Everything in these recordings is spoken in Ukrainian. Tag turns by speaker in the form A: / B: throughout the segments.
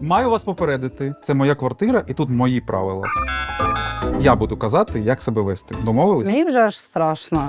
A: Маю вас попередити, це моя квартира і тут мої правила. Я буду казати, як себе вести. Домовились?
B: Мені вже аж страшно.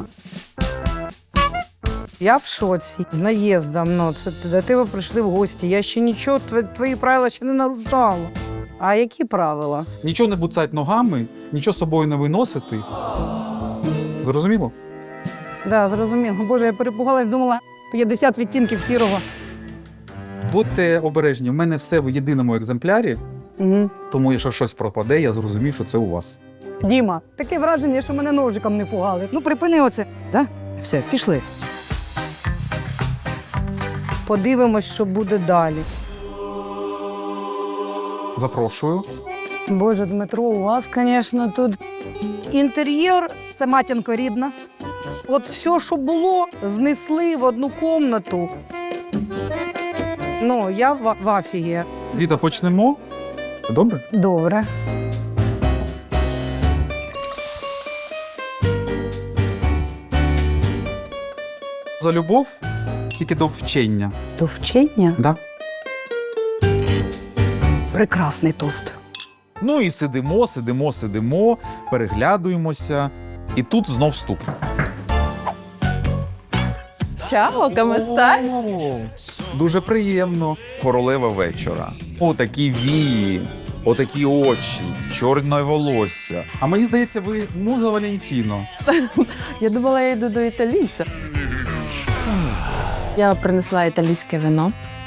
B: Я в шоці. З наїздом, ну, це до тебе прийшли в гості. Я ще нічого, твої правила ще не нарушала. А які правила?
A: Нічого не буцать ногами, нічого з собою не виносити. Зрозуміло?
B: Да, зрозуміло. Боже, я перепугалась, думала, 50 відтінків сірого.
A: Будьте обережні, в мене все в єдиному екземплярі,
B: Угу.
A: тому якщо щось пропаде, я зрозумів, що це у вас.
B: Діма, таке враження, що мене ножиком не пугали. Ну, припини оце. Да? Все, пішли. Подивимось, що буде далі.
A: Запрошую.
B: Боже, Дмитро, у вас, звісно, тут інтер'єр – це матінко рідна. От все, що було, знесли в одну кімнату. Ну, я в афігі.
A: Віта, почнемо? Добре?
B: Добре.
A: За любов тільки до вчення.
B: До вчення?
A: Да?
B: Прекрасний тост.
A: Ну і сидимо, переглядуємося. І тут знов стук.
C: Чао, каместай?
A: Дуже приємно. Королева вечора. Отакі вії, отакі очі, чорне волосся. А мені здається, ви муза Валентіно.
C: Я думала, я йду до італійця. Я принесла італійське вино.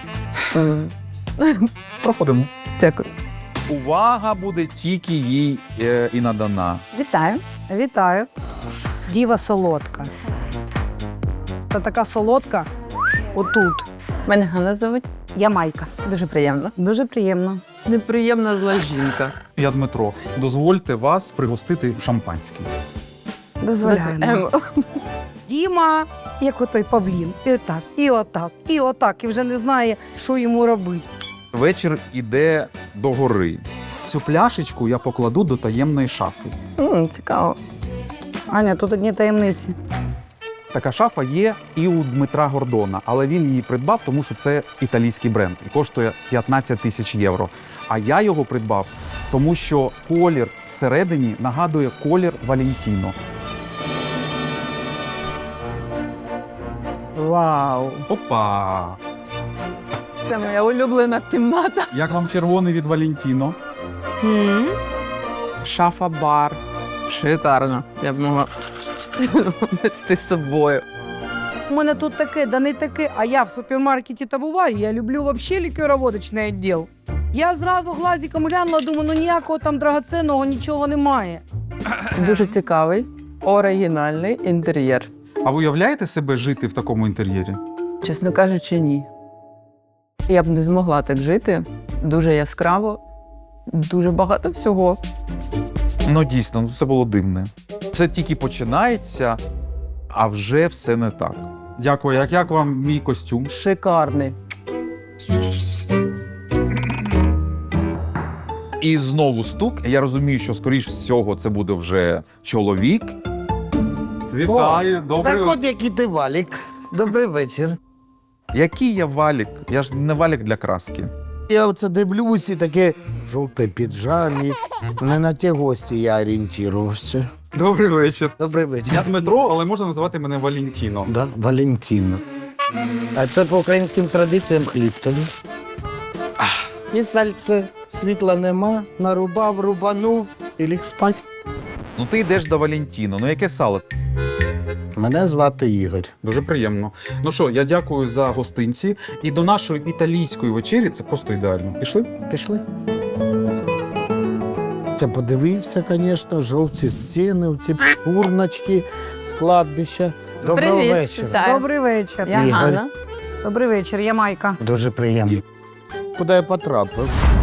A: Проходимо.
C: Дякую.
A: Увага буде тільки їй і надана.
C: Вітаю.
B: Вітаю. Діва солодка. Та така солодка отут.
C: Мене Ганна звуть.
B: Я Майка.
C: Дуже приємно.
B: Дуже приємно.
C: Неприємна зла жінка.
A: Я Дмитро. Дозвольте вас пригостити шампанським.
B: Дозволяємо. Діма, як отой павлін. І так, і отак, і отак. І вже не знає, що йому робити.
A: Вечір іде до гори. Цю пляшечку я покладу до таємної шафи.
C: Цікаво.
B: Аня, тут одні таємниці.
A: Така шафа є і у Дмитра Гордона, але він її придбав, тому що це італійський бренд і коштує 15 тисяч євро. А я його придбав, тому що колір всередині нагадує колір Валентіно.
B: Вау!
A: Опа!
C: Це моя улюблена кімната.
A: Як вам червоний від Валентіно?
C: Шафа-бар. Шикарно. Я б могла нести з собою.
B: У мене тут таке, да не таке, а я в супермаркеті та буваю, я люблю взагалі лікероводочний відділ. Я зразу глазиком глянула, думаю, ну ніякого там драгоценного нічого немає.
C: Дуже цікавий, оригінальний інтер'єр.
A: А ви уявляєте себе жити в такому інтер'єрі?
C: Чесно кажучи, ні. Я б не змогла так жити. Дуже яскраво, дуже багато всього.
A: Ну дійсно, це було дивне. Це тільки починається, а вже все не так. Дякую. Як вам мій костюм?
C: Шикарний.
A: І знову стук. Я розумію, що, скоріш всього, це буде вже чоловік. Вітаю, добрий.
D: Так от який ти валік. Добрий вечір.
A: Який я валік? Я ж не валік для краски.
D: Я оце дивлюсь і таке жовте піджамі. Не на ті гості я орієнтувався.
A: Добрий вечір.
D: Добрий вечір.
A: Я Дмитро, але можна називати мене Валентіно.
D: Да, Валентина. А це по українським традиціям хліб тобі. І сальце. Світла нема, нарубав, рубанув і ліг спать.
A: Ну ти йдеш до Валентіно. Ну яке сало?
D: Мене звати Ігор.
A: Дуже приємно. Ну що, я дякую за гостинці. І до нашої італійської вечері це просто ідеально. Пішли?
D: Пішли. Це подивився, звісно, жовті стіни, ці курночки з кладбища. Доброго
C: Привіт,
D: вечора.
C: вітаю.
B: Добрий вечір.
C: Я
D: Ігор.
C: Ганна.
B: Добрий вечір, я Майка.
D: Дуже приємно. Куди я потрапив?